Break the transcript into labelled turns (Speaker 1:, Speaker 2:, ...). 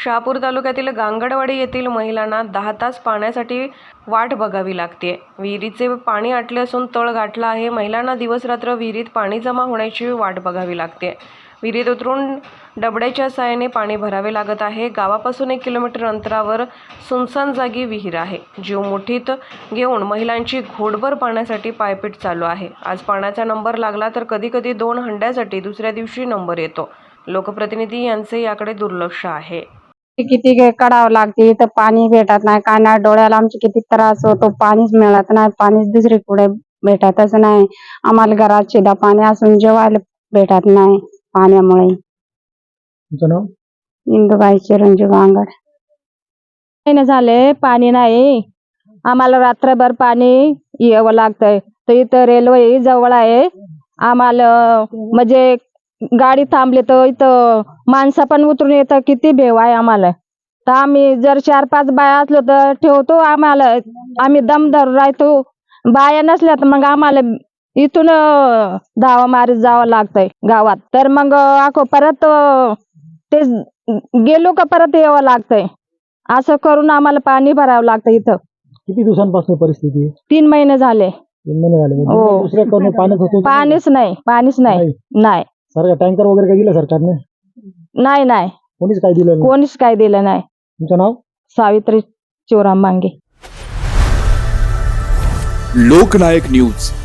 Speaker 1: शहापूर तालुक्यातील गांगडवाडी येथील महिलांना 10 तास पाण्यासाठी वाट बघावी लागते। विहिरीचे पाणी आटले असून तळ गाठला आहे। महिलांना दिवसरात्र विहिरीत पाणी जमा होण्याची वाट बघावी लागते। विहिरीत उतरून डबड्याच्या साहाय्याने पाणी भरावे लागत आहे। गावापासून 1 किलोमीटर अंतरावर सुनसान जागी विहीर आहे। जीव मुठीत घेऊन महिलांची घोटभर पाण्यासाठी पायपीट चालू आहे। आज पाण्याचा नंबर लागला तर कधी कधी 2 हंड्यासाठी दुसऱ्या दिवशी नंबर येतो। लोकप्रतिनिधी यांचे याकडे दुर्लक्ष आहे।
Speaker 2: किती काढावं लागते तर पाणी भेटत नाही। काना डोळ्याला आमचे किती त्रास होतो। पाणीच मिळत नाही। पाणीच दुसरीकडे भेटतच नाही। आम्हाला घरात शिदा पाणी असून जेवायला भेटत नाही पाण्यामुळे।
Speaker 3: तुमचं नाव?
Speaker 2: इंदुबाई चिरंजीव गांगड। महिने झाले पाणी नाही। आम्हाला रात्रभर पाणी यावं लागतंय। तर इथं रेल्वे जवळ आहे। आम्हाला म्हणजे गाडी थांबली तर इथं माणसं पण उतरून येतं। किती भेव आहे आम्हाला। तर आम्ही जर 4-5 बाया असलो तर ठेवतो। आम्ही दम धरून राहतो। बाया नसल्या तर मग आम्हाला इथून धावा मारीत जावं लागतंय गावात। तर मग परत ते गेलो का परत यावं लागतंय। असं करून आम्हाला पाणी भरावं लागतं इथं।
Speaker 3: किती दिवसांपासून परिस्थिती आहे?
Speaker 2: 3 महिने झाले।
Speaker 3: 3 महिने झाले म्हणजे
Speaker 2: हो।
Speaker 3: दुसऱ्या कोणी पाण्यात होतो?
Speaker 2: पाणीच नाही। नाही
Speaker 3: सरकार टँकर वगैरे काय दिलं सरकारने?
Speaker 2: नाही
Speaker 3: कोणीच काय दिलं नाही?
Speaker 2: कोणीच काय दिलं नाही।
Speaker 3: तुमचं नाव?
Speaker 2: सावित्री शिवराम मांगे।
Speaker 4: लोकनायक न्यूज।